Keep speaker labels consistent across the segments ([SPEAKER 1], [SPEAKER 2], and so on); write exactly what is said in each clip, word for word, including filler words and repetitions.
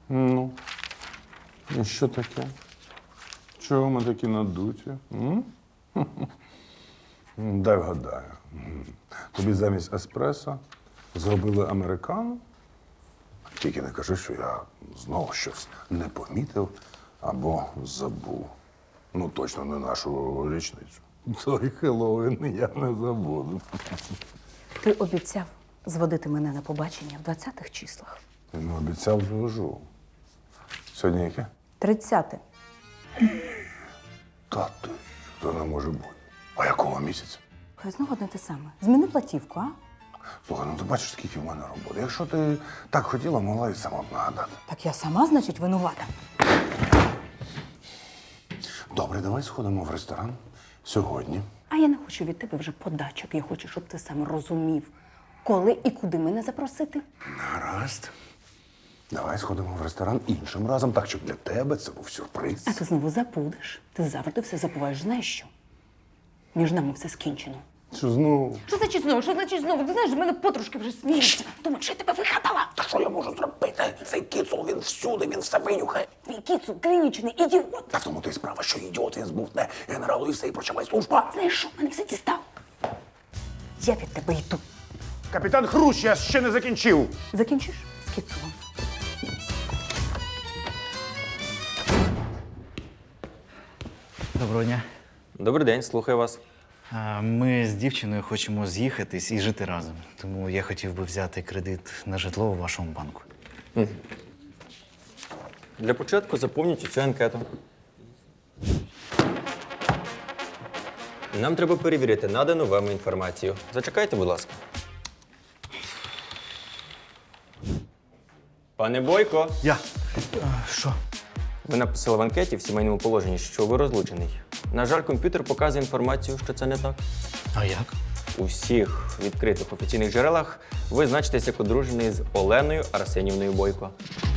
[SPEAKER 1] Ну, і що таке? Чого ми такі надуті? М? Дай вгадаю. М. Тобі замість еспресо зробили американо? Тільки не кажи, що я знову щось не помітив або забув. Ну, точно не нашу річницю. Той Хеллоуін я не забуду.
[SPEAKER 2] Ти обіцяв зводити мене на побачення в двадцятих числах.
[SPEAKER 1] Ну, обіцяв, звожу. Сьогодні яке?
[SPEAKER 2] Тридцяте.
[SPEAKER 1] Та ти, це не може бути. А якого місяця?
[SPEAKER 2] Хай знову одне те саме. Зміни платівку, а?
[SPEAKER 1] Слухай, ну ти бачиш, скільки в мене роботи. Якщо ти так хотіла, могла і сама б нагадати.
[SPEAKER 2] Так я сама, значить, винувата.
[SPEAKER 1] Добре, давай сходимо в ресторан сьогодні.
[SPEAKER 2] А я не хочу від тебе вже подачок. Я хочу, щоб ти сам розумів, коли і куди мене запросити.
[SPEAKER 1] Гаразд. Давай сходимо в ресторан іншим разом, так, щоб для тебе це був сюрприз.
[SPEAKER 2] А ти знову забудеш. Ти завжди все забуваєш. Знаєш що? Між нами все скінчено.
[SPEAKER 1] Що знову?
[SPEAKER 2] Що значить знову? Що значить знову? Ти знаєш, в мене подружки вже сміються. Думають, що я тебе вигадала.
[SPEAKER 1] Та що я можу зробити? Цей кіцул, він всюди, він все винюхає.
[SPEAKER 2] Твій кіцу клінічний ідіот.
[SPEAKER 1] Та в тому то й справа, що ідіот, він збувне генералу і все, і прочавай служба.
[SPEAKER 2] Знаєш що? Мене все дістав. Я від тебе йду.
[SPEAKER 1] Капітан Хрущ, я ще не закінчив.
[SPEAKER 2] Закінчиш з кіцулом?
[SPEAKER 3] Доброго дня.
[SPEAKER 4] Добрий день, слухаю вас.
[SPEAKER 3] А, Ми з дівчиною хочемо з'їхатись і жити разом. Тому я хотів би взяти кредит на житло у вашому банку.
[SPEAKER 4] Для початку заповніть цю анкету. Нам треба перевірити надану вами інформацію. Зачекайте, будь ласка. Пане Бойко,
[SPEAKER 3] Я. А, що?
[SPEAKER 4] ви написали в анкеті в сімейному положенні, що ви розлучений. На жаль, комп'ютер показує інформацію, що це не так.
[SPEAKER 3] А як?
[SPEAKER 4] У всіх відкритих офіційних джерелах ви значитесь як одружений з Оленою Арсенівною Бойко.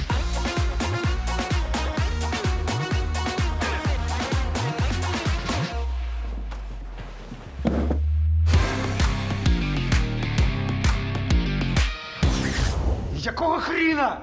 [SPEAKER 5] Якого хріна?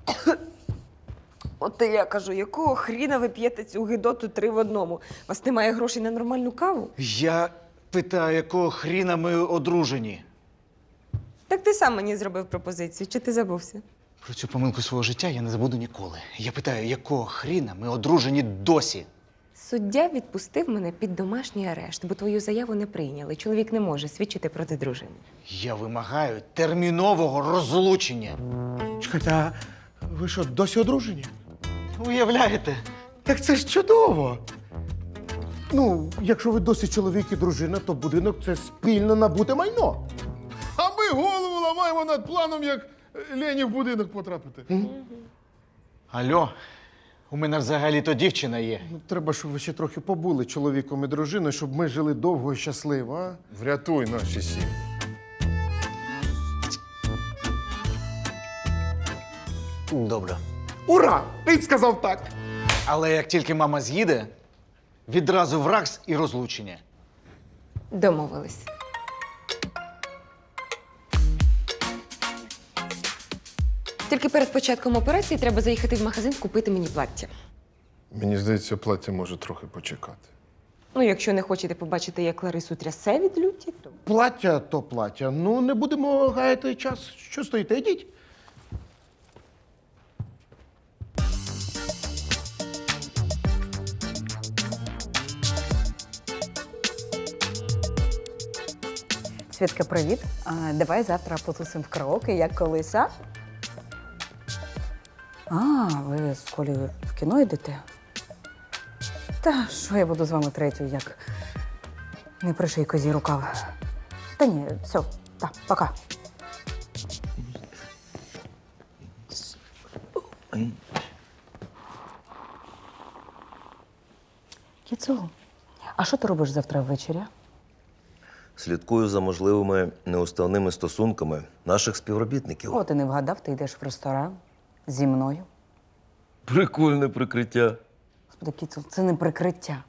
[SPEAKER 6] От і я кажу, якого хріна ви п'єте цю гидоту три в одному? У вас немає грошей на нормальну каву?
[SPEAKER 5] Я питаю, якого хріна ми одружені?
[SPEAKER 6] Так ти сам мені зробив пропозицію, чи ти забувся?
[SPEAKER 5] Про цю помилку свого життя я не забуду ніколи. Я питаю, якого хріна ми одружені досі?
[SPEAKER 6] Суддя відпустив мене під домашній арешт, бо твою заяву не прийняли. Чоловік не може свідчити проти дружини.
[SPEAKER 5] Я вимагаю термінового розлучення.
[SPEAKER 7] Чекайте, а ви що, досі одружені?
[SPEAKER 5] Уявляєте?
[SPEAKER 7] Так це ж чудово. Ну, якщо ви досі чоловік і дружина, то будинок це спільно набуте майно.
[SPEAKER 8] А ми голову ламаємо над планом, як Лені в будинок потрапити.
[SPEAKER 5] Алло, у мене взагалі-то дівчина є.
[SPEAKER 7] Ну, треба, щоб ви ще трохи побули чоловіком і дружиною, щоб ми жили довго і щасливо, а?
[SPEAKER 8] Врятуй наші сім'ї.
[SPEAKER 5] Добре.
[SPEAKER 7] Ура! Ти сказав так!
[SPEAKER 5] Але як тільки мама з'їде, відразу в РАКС і розлучення.
[SPEAKER 6] Домовились. Тільки перед початком операції треба заїхати в магазин купити мені плаття.
[SPEAKER 8] Мені здається, плаття може трохи почекати.
[SPEAKER 6] Ну, якщо не хочете побачити, як Ларису трясе від люті, то...
[SPEAKER 7] Плаття то плаття. Ну, не будемо гаяти час. Що стоїте? Йдіть.
[SPEAKER 2] Свідка, привіт. А, давай завтра потусимо в караоке, як колись, а? А, ви з Колею в кіно йдете? Та що я буду з вами третю, як не приший козі рукав. Та ні, все, так, пока. Кіцу, а що ти робиш завтра ввечері?
[SPEAKER 9] Слідкую за можливими неуставними стосунками наших співробітників.
[SPEAKER 2] О, ти не вгадав, ти йдеш в ресторан зі мною.
[SPEAKER 9] Прикольне прикриття.
[SPEAKER 2] Господи, Кіцу, це не прикриття.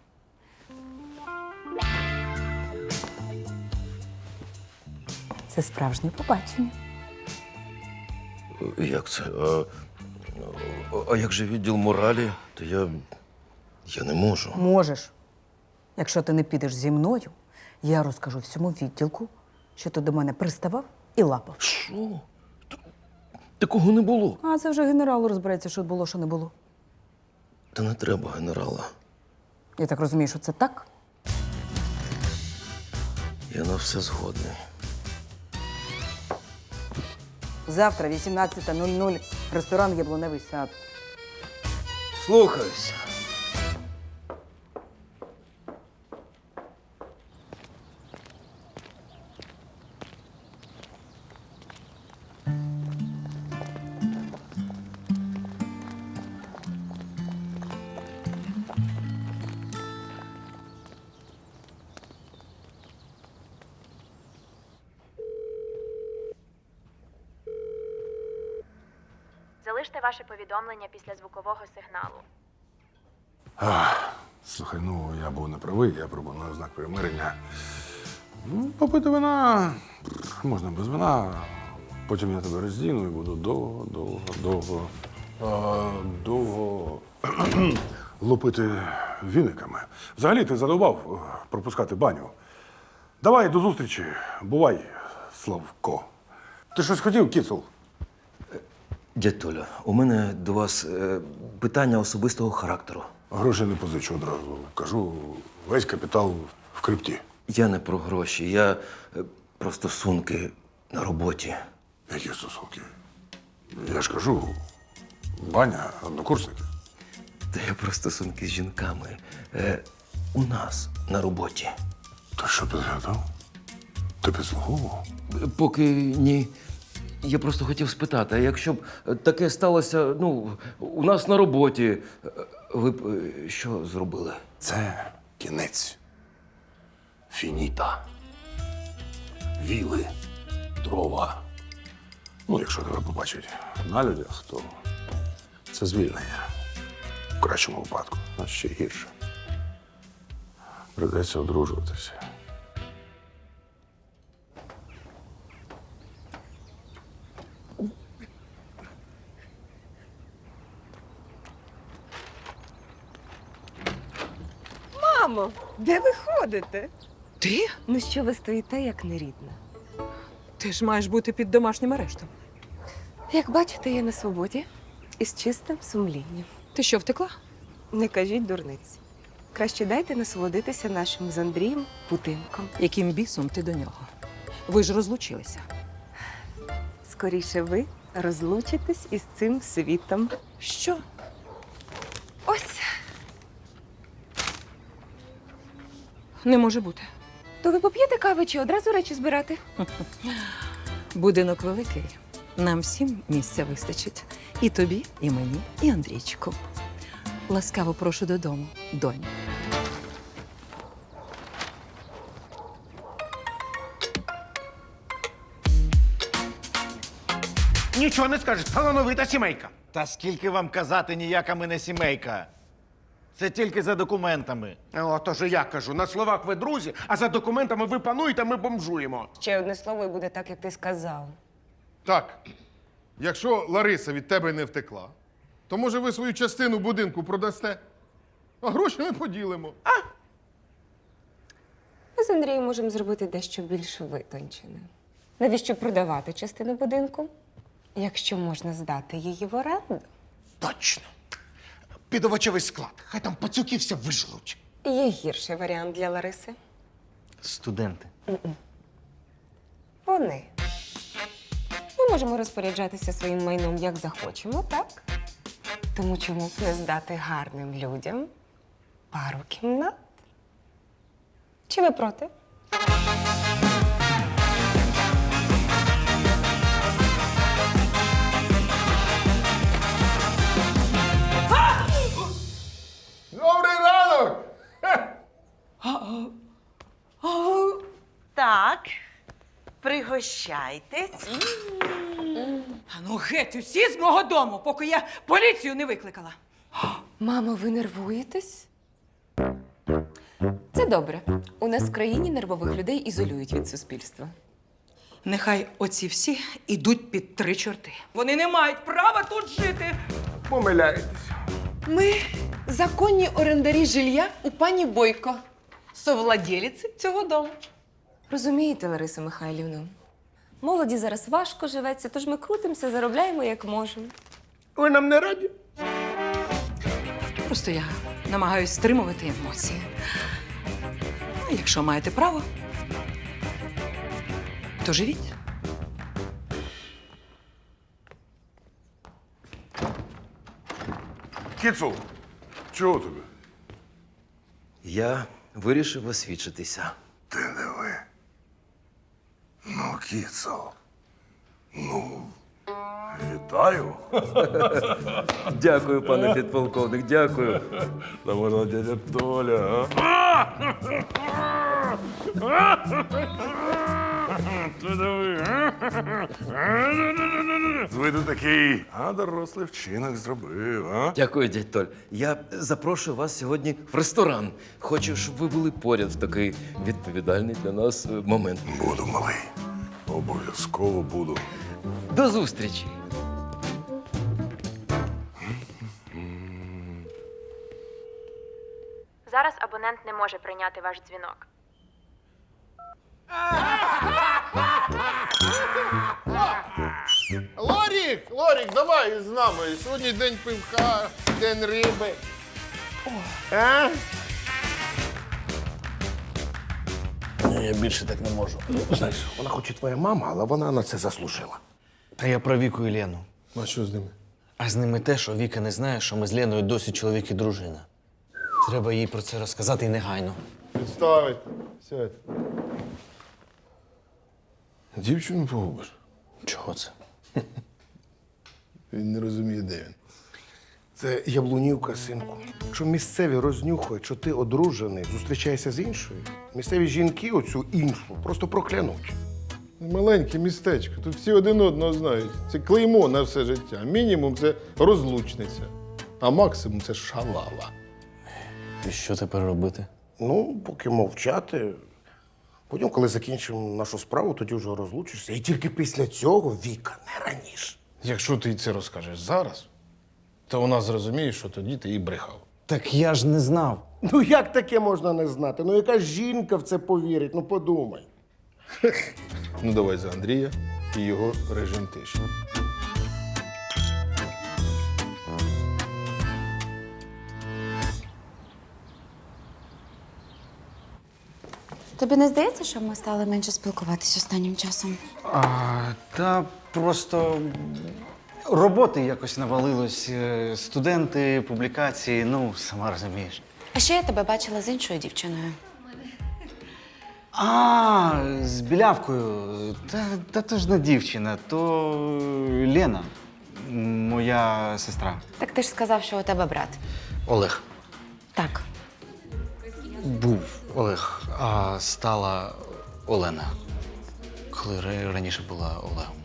[SPEAKER 2] Це справжнє побачення.
[SPEAKER 9] Як це? А, А- А як же відділ моралі, то я. Я не можу.
[SPEAKER 2] Можеш. Якщо ти не підеш зі мною, я розкажу всьому відділку, що ти до мене приставав і лапав.
[SPEAKER 9] Що? Т- Такого не було.
[SPEAKER 2] А це вже генерал розбереться, що було, що не було.
[SPEAKER 9] Та не треба генерала.
[SPEAKER 2] Я так розумію, що це так?
[SPEAKER 9] Я на все згодний.
[SPEAKER 2] Завтра, вісімнадцята нуль нуль, ресторан Яблуневий сад.
[SPEAKER 9] Слухаюсь.
[SPEAKER 10] Залиште ваше повідомлення після звукового сигналу.
[SPEAKER 1] Слухай, ну я був не правий, я пропоную знак примирення. Ну, попити вина можна без вина. Потім я тебе роздіну і буду довго, довго, довго, а, довго лупити віниками. Взагалі ти задовбав е, пропускати баню. Давай до зустрічі. Бувай, Славко. Ти щось хотів, Кіцул?
[SPEAKER 9] Дядь Толя, у мене до вас е, питання особистого характеру.
[SPEAKER 1] Гроші не позичу одразу. Кажу, весь капітал в крипті.
[SPEAKER 9] Я не про гроші, я е, про стосунки на роботі.
[SPEAKER 1] Які стосунки? Я ж кажу, баня, однокурсники.
[SPEAKER 9] Та я про стосунки з жінками. Е, у нас на роботі.
[SPEAKER 1] Та що ти згадав? Ти підслуговував?
[SPEAKER 9] Поки ні. Я просто хотів спитати, а якщо б таке сталося, ну, у нас на роботі, е, ви б е, що зробили?
[SPEAKER 1] Це кінець. Фініта. Віли. Дрова. Ну, якщо тебе побачать на людях, то це звільнення. В кращому випадку, а ще гірше. Придеться одружуватися.
[SPEAKER 6] Мамо, де ви ходите?
[SPEAKER 11] Ти?
[SPEAKER 6] Ну що ви стоїте, як нерідна?
[SPEAKER 11] Ти ж маєш бути під домашнім арештом.
[SPEAKER 6] Як бачите, я на свободі і з чистим сумлінням.
[SPEAKER 11] Ти що, втекла?
[SPEAKER 6] Не кажіть дурниць. Краще дайте насолодитися нашим з Андрієм будинком.
[SPEAKER 11] Яким бісом ти до нього? Ви ж розлучилися.
[SPEAKER 6] Скоріше ви розлучитесь із цим світом.
[SPEAKER 11] Що?
[SPEAKER 6] Ось.
[SPEAKER 11] Не може бути.
[SPEAKER 6] То ви поп'єте кави чи одразу речі збирати?
[SPEAKER 11] Будинок великий. Нам всім місця вистачить. І тобі, і мені, і Андрійчику. Ласкаво прошу додому, доню.
[SPEAKER 7] Нічого не скажеш, талановита сімейка.
[SPEAKER 5] Та скільки вам казати, ніяка ми не сімейка. Це тільки за документами.
[SPEAKER 7] О, то ж я кажу, на словах ви друзі, а за документами ви пануєте, ми бомжуємо.
[SPEAKER 6] Ще одне слово і буде так, як ти сказав.
[SPEAKER 8] Так, якщо Лариса від тебе не втекла, то може ви свою частину будинку продасте, а гроші ми поділимо.
[SPEAKER 6] Ми з Андрієм можемо зробити дещо більш витончене. Навіщо продавати частину будинку, якщо можна здати її в оренду?
[SPEAKER 7] Точно. Під овочевий склад. Хай там пацюки все вижлуть.
[SPEAKER 6] Є гірший варіант для Лариси.
[SPEAKER 3] Студенти.
[SPEAKER 6] Вони. Ми можемо розпоряджатися своїм майном як захочемо, так? Тому чому б не здати гарним людям пару кімнат? Чи ви проти?
[SPEAKER 8] Добрий ранок!
[SPEAKER 12] Так, пригощайтесь.
[SPEAKER 11] А ну геть усі з мого дому, поки я поліцію не викликала.
[SPEAKER 6] Мамо, ви нервуєтесь? Це добре. У нас в країні нервових людей ізолюють від суспільства.
[SPEAKER 11] Нехай оці всі ідуть під три чорти. Вони не мають права тут жити.
[SPEAKER 7] помиляєтесь.
[SPEAKER 11] Ми законні орендарі жилья у пані Бойко, совладелиці цього дому.
[SPEAKER 6] Розумієте, Лариса Михайлівна, молоді зараз важко живеться, тож ми крутимося, заробляємо як можемо.
[SPEAKER 7] Ви нам не раді?
[SPEAKER 11] Просто я намагаюсь стримувати емоції. А якщо маєте право, то живіть.
[SPEAKER 1] Кіцул, чого тобі?
[SPEAKER 9] Я вирішив освідчитися.
[SPEAKER 1] Ти диви. Ну, Кіцул. Ну, вітаю.
[SPEAKER 9] Дякую, пане підполковник, дякую.
[SPEAKER 1] Та можна дядя Толя, а? Ти диви, а? Виду такий, а дорослий вчинок зробив, а?
[SPEAKER 9] Дякую, дядь Толь. Я запрошую вас сьогодні в ресторан. Хочу, щоб ви були поряд в такий відповідальний для нас е, момент.
[SPEAKER 1] Буду, малий. Обов'язково буду.
[SPEAKER 9] До зустрічі!
[SPEAKER 10] Зараз абонент не може прийняти ваш дзвінок.
[SPEAKER 8] Лорік, Лорік, давай з нами. Сьогодні день пивка, день риби. А?
[SPEAKER 3] Я більше так не можу.
[SPEAKER 7] Знаєш, вона хоч і твоя мама, але вона на це заслужила.
[SPEAKER 3] Та я про Віку і Лену.
[SPEAKER 8] А що з ними?
[SPEAKER 3] А з ними те, що Віка не знає, що ми з Леною досі чоловік і дружина. Треба їй про це розказати і негайно.
[SPEAKER 8] Підставить. Сядь. Дівчину погубиш.
[SPEAKER 3] Чого це?
[SPEAKER 8] Він не розуміє, де він.
[SPEAKER 7] Це яблунівка, синку. Якщо місцеві рознюхають, що ти одружений, зустрічаєшся з іншою, місцеві жінки оцю іншу просто проклянуть.
[SPEAKER 8] Маленьке містечко. Тут всі один одного знають. Це клеймо на все життя. Мінімум це розлучниця, а максимум це шалава.
[SPEAKER 3] І що тепер робити?
[SPEAKER 7] Ну, поки мовчати. Потім, коли закінчимо нашу справу, тоді вже розлучишся. І тільки після цього Віка, не раніше.
[SPEAKER 8] Якщо ти це розкажеш зараз, то вона зрозуміє, що тоді ти їй брехав.
[SPEAKER 3] Так я ж не знав.
[SPEAKER 7] Ну як таке можна не знати? Ну яка жінка в це повірить? Ну подумай.
[SPEAKER 8] Ну давай за Андрія і його режим тиші.
[SPEAKER 12] Тобі не здається, що ми стали менше спілкуватись останнім часом?
[SPEAKER 3] А, та просто роботи якось навалилось. Е, Студенти, публікації, ну, сама розумієш.
[SPEAKER 12] А ще я тебе бачила з іншою дівчиною.
[SPEAKER 3] А, з білявкою. Та, та то ж не дівчина, то Лена, моя сестра.
[SPEAKER 12] Так ти ж сказав, що у тебе брат.
[SPEAKER 3] Олег.
[SPEAKER 12] Так.
[SPEAKER 3] Був Олег, а стала Олена. Коли ра- раніше була Олегом.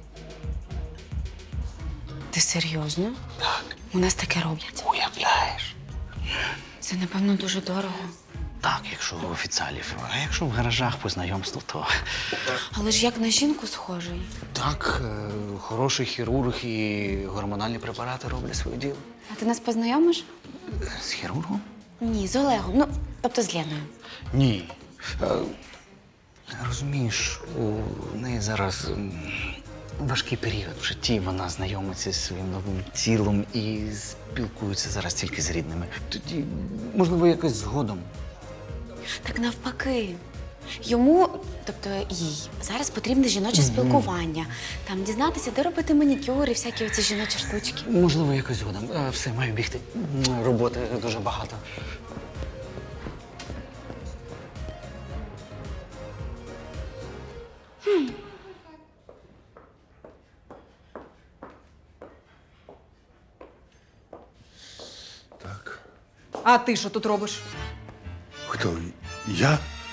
[SPEAKER 12] Ти серйозно?
[SPEAKER 3] Так.
[SPEAKER 12] У нас таке роблять.
[SPEAKER 3] Уявляєш?
[SPEAKER 12] Це, напевно, дуже дорого.
[SPEAKER 3] Так, якщо у офіціалів. А якщо в гаражах по знайомству, то
[SPEAKER 12] Але ж як на жінку схожий.
[SPEAKER 3] так, е, хороший хірург і гормональні препарати роблять своє діло.
[SPEAKER 12] А ти нас познайомиш?
[SPEAKER 3] З хірургом?
[SPEAKER 12] Ні, з Олегом. Ну, тобто з Леною.
[SPEAKER 3] Ні. Е, Розумієш, у неї зараз м, важкий період в житті. Вона знайомиться зі своїм новим тілом і спілкується зараз тільки з рідними. Тоді, можливо, якось згодом.
[SPEAKER 12] Так навпаки. Йому, тобто їй, зараз потрібне жіноче спілкування. Там дізнатися, де робити манікюр і всякі оці жіночі штучки.
[SPEAKER 3] Можливо, якось згодом. Е, Все, маю бігти. М, Роботи дуже багато.
[SPEAKER 1] Так.
[SPEAKER 2] А ти що тут робиш?
[SPEAKER 1] Хто? Я?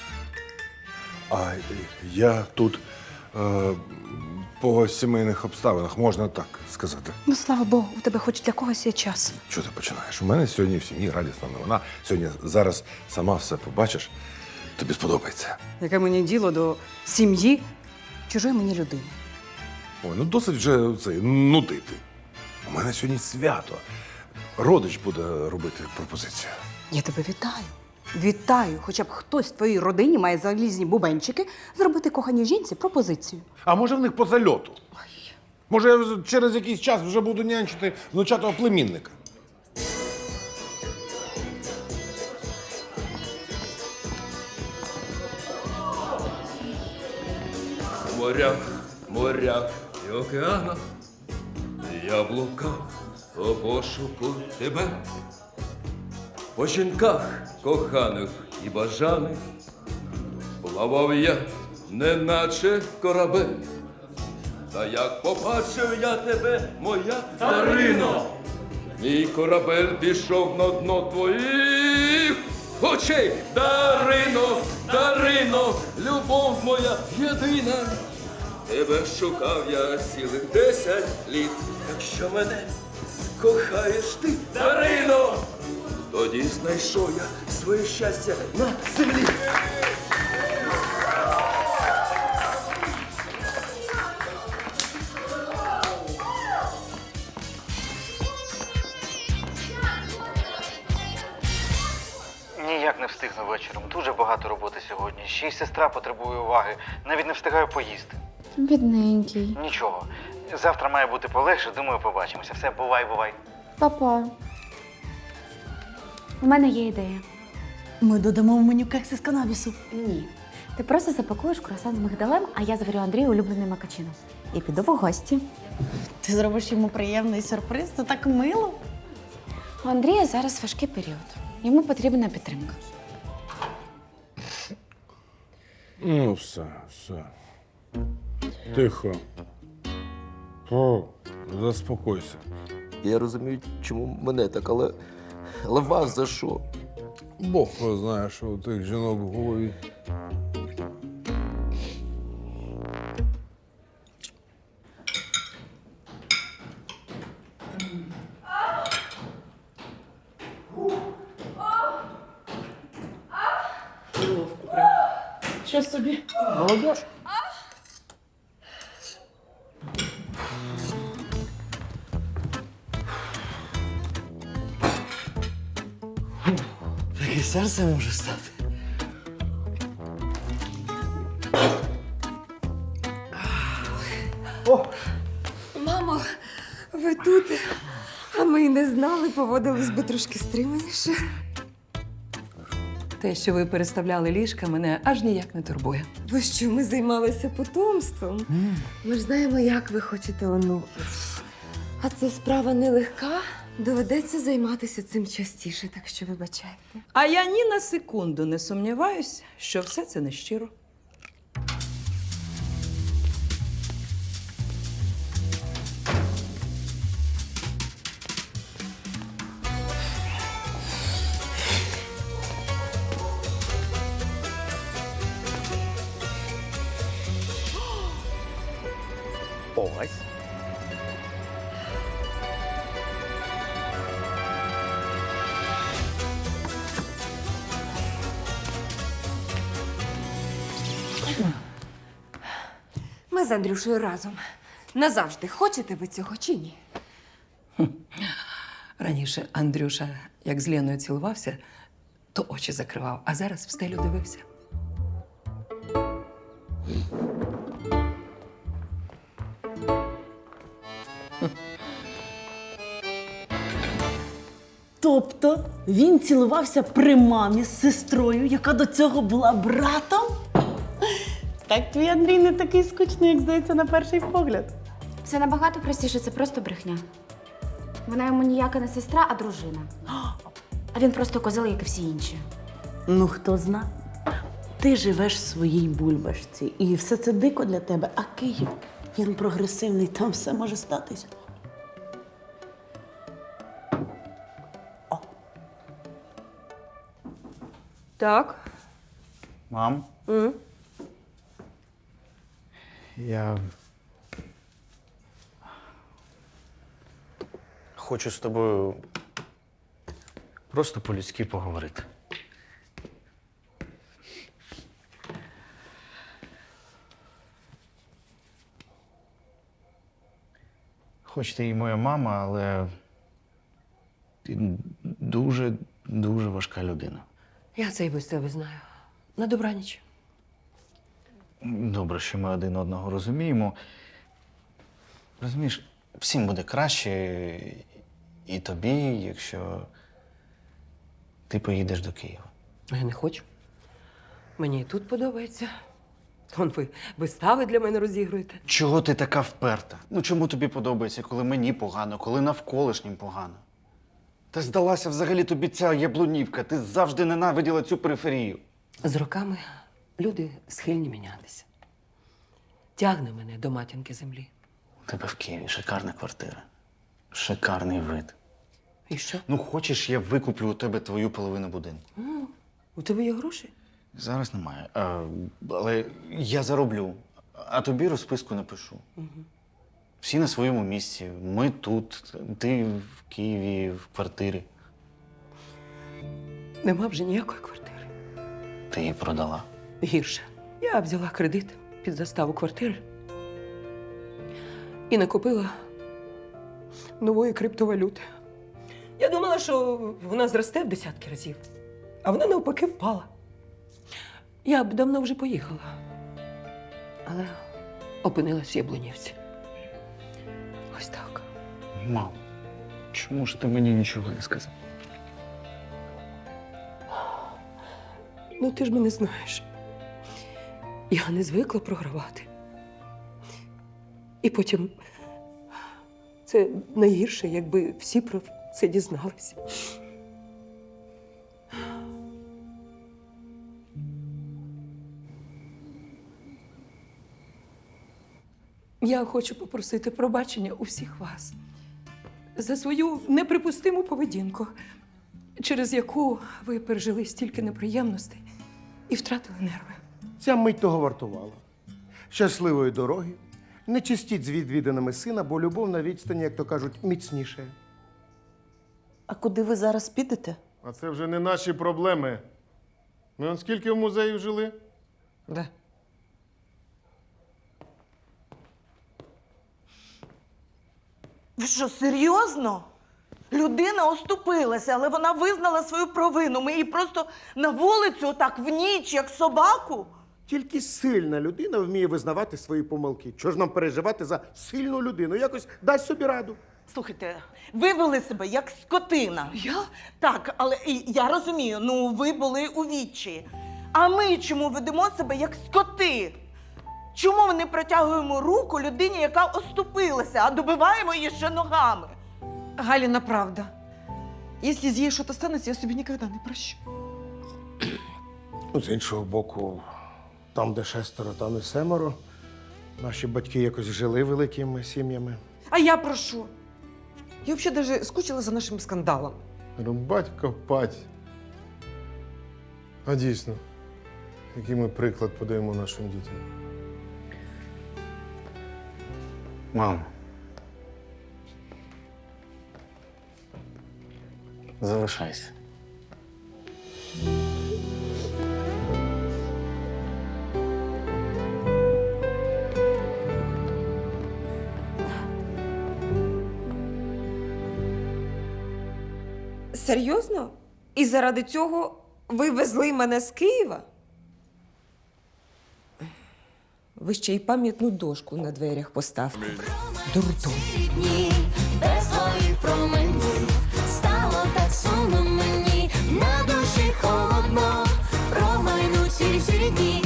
[SPEAKER 1] А я тут е, по сімейних обставинах, можна так сказати.
[SPEAKER 2] Ну, слава Богу, у тебе хоч для когось є час.
[SPEAKER 1] Що ти починаєш? У мене сьогодні в сім'ї радісна новина. Сьогодні зараз сама все побачиш. Тобі сподобається.
[SPEAKER 2] Яке мені діло до сім'ї чужої мені людини?
[SPEAKER 1] Ой, ну досить вже це нудити. У мене сьогодні свято. родич буде робити пропозицію.
[SPEAKER 2] Я тебе вітаю. Вітаю! Хоча б хтось в твоїй родині має залізні бубенчики зробити коханій жінці пропозицію.
[SPEAKER 7] А може в них по зальоту? Може, я через якийсь час вже буду нянчити внучатого племінника.
[SPEAKER 9] В морях, морях і океанах я блукав у пошуку тебе. По жінках коханих і бажаних плавав я, неначе корабель. Та як побачив я тебе, моя Дарино, мій корабель пішов на дно твоїх очей. Дарино, Дарино, любов моя єдина. Тебе шукав я цілих десять літ. Якщо мене кохаєш ти, Дарино, тоді знайшов я своє щастя на землі.
[SPEAKER 5] Ніяк не встигну вечором. Дуже багато роботи сьогодні. Ще й сестра потребує уваги. Навіть не встигаю поїсти.
[SPEAKER 12] Бідненький.
[SPEAKER 5] Нічого. Завтра має бути полегше, думаю, побачимося. Все, бувай, бувай.
[SPEAKER 12] Папа. У мене є ідея.
[SPEAKER 11] Ми додамо в меню кекси з канабісу.
[SPEAKER 12] Ні. Ти просто запакуєш круасан з мигдалем, а я зварю Андрію улюблений макачино. І піду в гості.
[SPEAKER 11] Ти зробиш йому приємний сюрприз, це так мило.
[SPEAKER 12] У Андрія зараз важкий період. Йому потрібна підтримка.
[SPEAKER 1] Ну, все, все. Тихо. О, заспокойся.
[SPEAKER 9] Я розумію, чому мене так, але, але вас за що?
[SPEAKER 1] Бог його знає, що у тих жінок в голові.
[SPEAKER 11] Що собі?
[SPEAKER 1] Молодіж.
[SPEAKER 11] Таке серце може стати.
[SPEAKER 6] Мамо, ви тут? А ми й не знали, поводились би трошки стриманіше.
[SPEAKER 11] Те, що ви переставляли ліжка, мене аж ніяк не турбує.
[SPEAKER 6] Бо що ми займалися потомством? Ми ж знаємо, як ви хочете онуків. А це справа нелегка. Доведеться займатися цим частіше, так що вибачайте.
[SPEAKER 11] А я ні на секунду не сумніваюся, що все це нещиро.
[SPEAKER 3] Ось.
[SPEAKER 6] Ми з Андрюшею разом. Назавжди хочете ви цього чи ні?
[SPEAKER 11] Раніше Андрюша, як з Леною цілувався, то очі закривав, а зараз в стелю дивився.
[SPEAKER 13] Тобто він цілувався при мамі з сестрою, яка до цього була братом? Так твій Андрій не такий скучний, як здається, на перший погляд.
[SPEAKER 12] Все набагато простіше, це просто брехня. Вона йому ніяка не сестра, а дружина. А він просто козел, як і всі інші.
[SPEAKER 13] Ну, хто зна? Ти живеш в своїй бульбашці, і все це дико для тебе, а Київ, він прогресивний, там все може статися.
[SPEAKER 2] Так.
[SPEAKER 5] Мам?
[SPEAKER 2] Mm.
[SPEAKER 5] Я хочу з тобою просто по-людськи поговорити. Хоч ти і моя мама, але
[SPEAKER 3] Ти дуже, дуже важка людина.
[SPEAKER 11] Я це і без тебе знаю. На добраніч.
[SPEAKER 3] Добре, що ми один одного розуміємо. Розумієш, всім буде краще і тобі, якщо ти поїдеш до Києва.
[SPEAKER 11] Я не хочу. Мені і тут подобається. Вон ви вистави для мене розігруєте.
[SPEAKER 3] Чого ти така вперта? Ну чому тобі подобається, коли мені погано, коли навколишнім погано? Та здалася взагалі тобі ця яблунівка. Ти завжди ненавиділа цю периферію.
[SPEAKER 11] З роками люди схильні мінятися. Тягне мене до матінки землі.
[SPEAKER 3] У тебе в Києві шикарна квартира. Шикарний вид.
[SPEAKER 11] І що?
[SPEAKER 3] Ну, хочеш, я викуплю у тебе твою половину будинку.
[SPEAKER 11] М, у тебе є гроші?
[SPEAKER 3] Зараз немає. А, але я зароблю, а тобі розписку напишу.
[SPEAKER 11] Угу.
[SPEAKER 3] Всі на своєму місці. Ми тут, ти в Києві, в квартирі.
[SPEAKER 11] Нема вже ніякої квартири.
[SPEAKER 3] Ти її продала.
[SPEAKER 11] Гірше. Я взяла кредит під заставу квартири і накупила нової криптовалюти. Я думала, що вона зросте в десятки разів, а вона навпаки впала. Я б давно вже поїхала, але опинилась в Яблунівці. Ось так.
[SPEAKER 3] Мам, чому ж ти мені нічого не сказав?
[SPEAKER 11] Ну, ти ж мене знаєш. Я не звикла програвати. І потім це найгірше, якби всі про це дізналися. Я хочу попросити пробачення у всіх вас за свою неприпустиму поведінку, через яку ви пережили стільки неприємностей і втратили нерви.
[SPEAKER 7] Ця мить того вартувала. Щасливої дороги. Не чистіть з відвіданими сина, бо любов на відстані, як то кажуть, міцніше.
[SPEAKER 13] А куди ви зараз підете?
[SPEAKER 8] А це вже не наші проблеми. Ми он скільки в музеї жили?
[SPEAKER 11] Да.
[SPEAKER 13] Ви що, серйозно? Людина оступилася, але вона визнала свою провину. Ми її просто на вулицю отак в ніч, як собаку.
[SPEAKER 7] Тільки сильна людина вміє визнавати свої помилки. Чого ж нам переживати за сильну людину? Якось дасть собі раду.
[SPEAKER 13] Слухайте, ви вели себе як скотина.
[SPEAKER 11] Я?
[SPEAKER 13] Так, але і я розумію, ну ви були у відчаї. А ми чому ведемо себе як скоти? Чому ми не протягуємо руку людині, яка оступилася, а добиваємо її ще ногами?
[SPEAKER 14] Галина, правда. Если с ей что-то станется, я себе никогда не прощу.
[SPEAKER 7] Ну, з іншого боку, там, де шестеро, там і семеро. Наші батьки якось жили великими сім'ями.
[SPEAKER 14] А я прошу. Я вообще даже скучила за нашим скандалом.
[SPEAKER 8] Рубать, копать. А дійсно, який ми приклад подаємо нашим дітям?
[SPEAKER 3] Мам. Залишайся.
[SPEAKER 6] Серйозно? І заради цього ви везли мене з Києва? Ви ще й пам'ятну дошку на дверях поставте. Дурдом.
[SPEAKER 15] Без твоїх променів стало так сумно мені, на душі холодно, промайнуть всі всі дні.